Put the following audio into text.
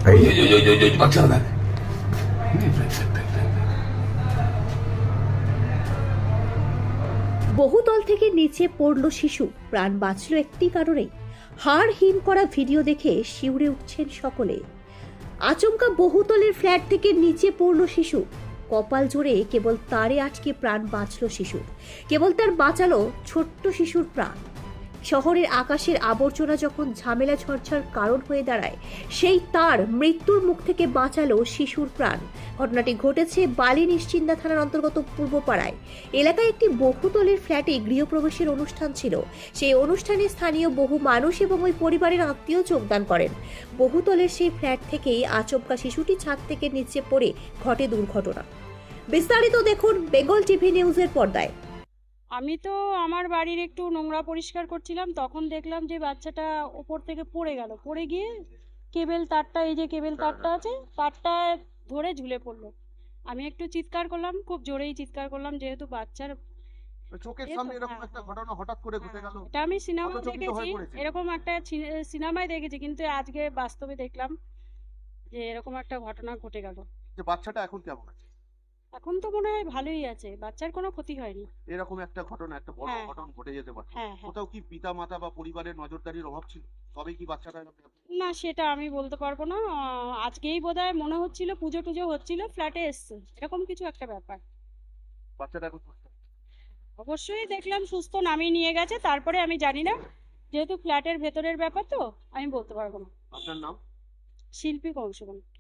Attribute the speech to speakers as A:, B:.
A: বহুতল থেকে নিচে পড়ল শিশু, প্রাণ বাঁচল একটি কারণেই। হাড় হিম করা ভিডিও দেখে শিউরে উঠছেন সকলে। আচমকা বহুতলের ফ্ল্যাট থেকে নিচে পড়ল শিশু। কপাল জোরে কেবল তারে আটকে প্রাণ বাঁচল শিশুর, কেবল তার বাঁচালো ছোট্ট শিশুর প্রাণ। শহরের আকাশের আবর্জনা যখন ঝামেলা ঝরঝর কারণ হয়ে দাঁড়ায়, সেই তার মৃত্যুর মুখ থেকে বাঁচালো শিশুর প্রাণ। ঘটনাটি ঘটেছে বালি নিশ্চিন্দা থানার অন্তর্গত পূর্বপাড়ায় এলাকায় একটি বহুতলের ফ্ল্যাটে গৃহপ্রবেশের অনুষ্ঠান ছিল। সেই অনুষ্ঠানে স্থানীয় বহু মানুষ এবং ওই পরিবারের আত্মীয় যোগদান করেন। বহুতলের সেই ফ্ল্যাট থেকেই আচমকা শিশুটি ছাদ থেকে নিচে পড়ে ঘটে দুর্ঘটনা। বিস্তারিত দেখুন বেঙ্গল টিভি নিউজের পর্দায়।
B: আমি তো আমার বাড়ির একটু নোংরা পরিষ্কার করছিলাম, তখন দেখলাম যে বাচ্চাটা ওপর থেকে পড়ে গেল। পড়ে গিয়ে কেবেল তারটা, এই যে কেবেল তারটা আছে, তারটা ধরে ঝুলে পড়লো। আমি একটু চিৎকার করলাম, খুব জোরেই চিৎকার করলাম, যেহেতু বাচ্চার
C: চোখের সামনে এরকম একটা ঘটনা হঠাৎ করে ঘটে গেল।
B: এটা আমি সিনেমায়
C: হতচকিত হয়ে
B: দেখেছি,
C: পড়েছে।
B: এরকম একটা সিনেমায় দেখেছি, কিন্তু আজকে বাস্তবে দেখলাম যে এরকম একটা ঘটনা ঘটে গেল।
C: যে বাচ্চাটা এখন কেমন আছে?
B: এখন তো মনে হয় ভালোই আছে, বাচ্চার কোনো ক্ষতি হয়নি।
C: এরকম একটা ঘটনা, একটা বড়
B: হ্যাঁ,
C: ঘটনা ঘটে যেতে পারে।
B: হ্যাঁ, হ্যাঁ।
C: কোথাও কি পিতা মাতা বা পরিবারের নজরদারির অভাব ছিল? তবেই কি বাচ্চাটা
B: না, সেটা আমি বলতে পারবো না। আজকেই বোধহয় মনে হচ্ছিল পুজো টুজো হচ্ছিল, ফ্ল্যাটে এসছে, এরকম কিছু একটা ব্যাপার।
C: বাচ্চাটা এখন সুস্থ?
B: অবশ্যই দেখলাম সুস্থ, নামিয়ে নিয়ে গেছে। তারপরে আমি জানি না, যেহেতু ফ্ল্যাটের ভেতরের ব্যাপার তো আমি বলতে পারবো না।
C: আপনার নাম?
B: শিল্পী কংসবন।